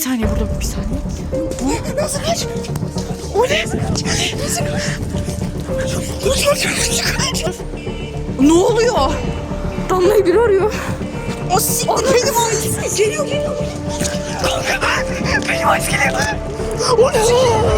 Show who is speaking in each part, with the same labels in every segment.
Speaker 1: Bir saniye burada bir saniye.
Speaker 2: Nasıl kaç? O ne? Nasıl kaç?
Speaker 1: Ne oluyor? Damla'yı biri arıyor.
Speaker 2: O siktir benim ailesi. Geliyor. Kanka benim ailesi geliyor. O ne?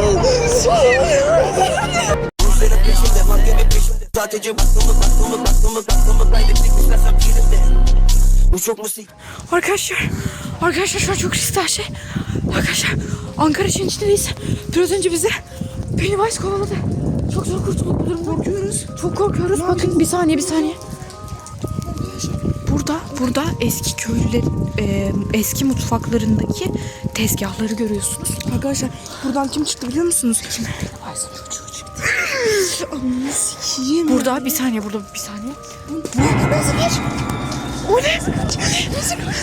Speaker 2: Sadece baktığımı kaybettik istersen birimde. Bu çok musik.
Speaker 1: Arkadaşlar şu an çok riskli her şey. Arkadaşlar Ankara içindeyiz. Biraz önce bizi Pennywise kovaladı. Çok zor kurtulduk bu durumda.
Speaker 2: Korkuyoruz.
Speaker 1: Çok korkuyoruz. Bakın bir saniye. Burada eski köylülerin eski mutfaklarındaki tezgahları görüyorsunuz.
Speaker 2: Arkadaşlar buradan kim çıktı biliyor musunuz? Kim?
Speaker 1: Pennywise çocuğu çıktı.
Speaker 2: Ananı sikiyim.
Speaker 1: Burada bir saniye.
Speaker 2: Nasıl kaç? O ne? Nasıl kaç?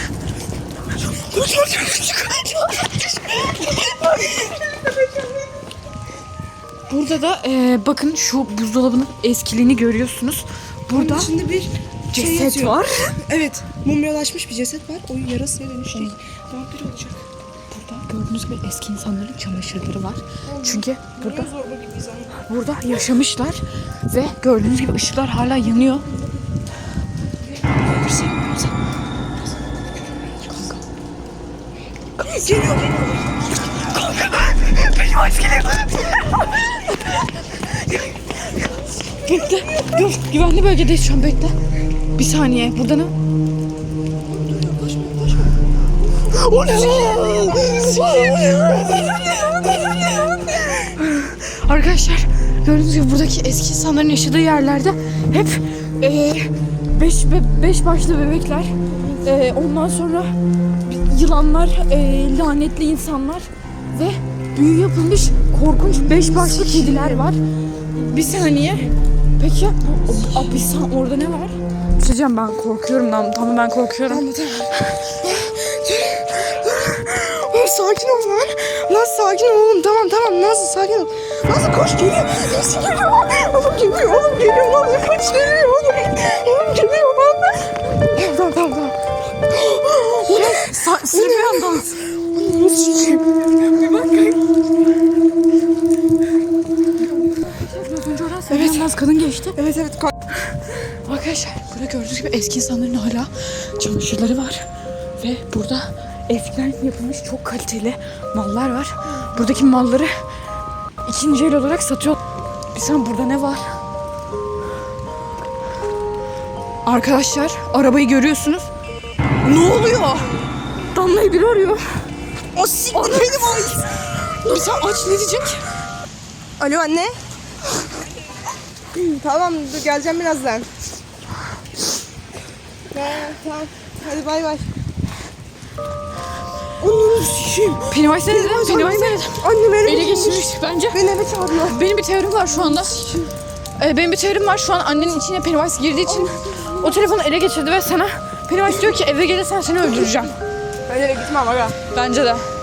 Speaker 1: Burada da bakın şu buzdolabının eskiliğini görüyorsunuz. Burada
Speaker 2: Şimdi bir
Speaker 1: ceset
Speaker 2: yazıyor.
Speaker 1: var.
Speaker 2: Evet, mumyalaşmış bir ceset var. O yarasıya dönüşecek. Vampir olacak.
Speaker 1: Burada gördüğünüz gibi eski insanların çamaşırları var. Çünkü burada
Speaker 2: Zorba gibiyiz ama.
Speaker 1: burada yaşamışlar ve gördüğünüz gibi ışıklar hala yanıyor.
Speaker 2: Geliyor. Kanka benim ailesi geliyor.
Speaker 1: Bekle. Dur. Güvenli bölgedeyiz şu an. Bekle. Bir saniye. Burada ne?
Speaker 2: O ne?
Speaker 1: Arkadaşlar gördüğünüz gibi buradaki eski insanların yaşadığı yerlerde hep beş başlı bebekler, ondan sonra yılanlar, lanetli insanlar ve büyü yapılmış korkunç 5 başlı kediler var. Bir saniye. Peki orada ne var? Söyleyeceğim, ben korkuyorum. Tamam ben korkuyorum.
Speaker 2: Sakin ol lan. Lan sakin ol oğlum. Tamam. Nasıl sakin ol. Nasıl koş geliyor. Nasıl geliyor? Oğlum geliyor. Lan kaç geliyor oğlum. Oğlum geliyor lan. Tamam. O ne?
Speaker 1: Sırbiyan dans.
Speaker 2: Nasıl çiçeğim? Bir bak.
Speaker 1: Biraz önce oradan Sırbiyan dans kadın geçti.
Speaker 2: Evet.
Speaker 1: Arkadaşlar burada gördüğünüz gibi eski insanların hala çamaşırları var. Ve burada eskiden yapılmış çok kaliteli mallar var. Buradaki malları ikinci el olarak satıyor. Bir saniye, burada ne var? Arkadaşlar arabayı görüyorsunuz. Ne oluyor? Damla'yı biri arıyor.
Speaker 2: O siktir benim ailesi.
Speaker 1: Bir saniye, aç, ne diyecek?
Speaker 2: Alo anne. Tamam dur geleceğim birazdan. Tamam. Hadi bay. Ananı sikeyim.
Speaker 1: Pennywise nerede? Pennywise nerede?
Speaker 2: Annem
Speaker 1: Ele geçirmiş bence.
Speaker 2: Beni eve çağırıyor.
Speaker 1: Benim bir teorim var şu anda. Benim bir teorim var şu an, annenin içine Pennywise girdiği için o telefonu ele geçirdi ve sana Pennywise diyor ki eve gelirsen seni öldüreceğim.
Speaker 2: Ben eve gitmem aga.
Speaker 1: Bence de.